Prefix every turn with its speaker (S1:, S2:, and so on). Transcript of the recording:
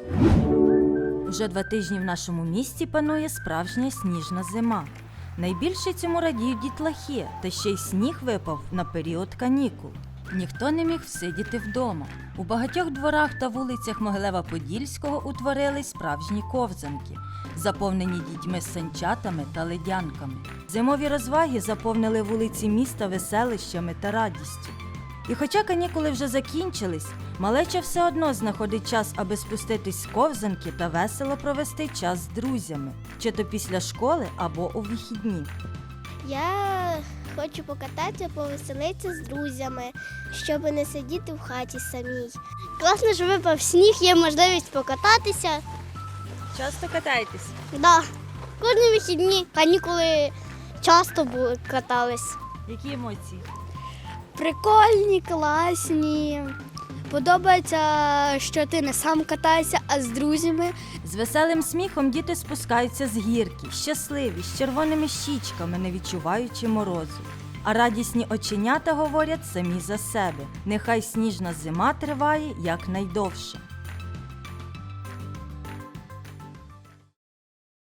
S1: Вже 2 тижні в нашому місті панує справжня сніжна зима. Найбільше цьому радіють дітлахи, та ще й сніг випав на період канікул. Ніхто не міг всидіти вдома. У багатьох дворах та вулицях Могилева-Подільського утворились справжні ковзанки, заповнені дітьми з санчатами та ледянками. Зимові розваги заповнили вулиці міста веселищами та радістю. І хоча канікули вже закінчились, малеча все одно знаходить час, аби спуститись з ковзанки та весело провести час з друзями, чи то після школи або у вихідні.
S2: Я хочу покататися, повеселитися з друзями, щоб не сидіти в хаті самій. Класно, що випав сніг, є можливість покататися.
S1: Часто катаєтесь?
S2: Да. Кожні вихідні канікули часто катались.
S1: Які емоції?
S2: Прикольні, класні. Подобається, що ти не сам катаєшся, а з друзями.
S1: З веселим сміхом діти спускаються з гірки, щасливі, з червоними щічками, не відчуваючи морозу. А радісні оченята говорять самі за себе. Нехай сніжна зима триває якнайдовше.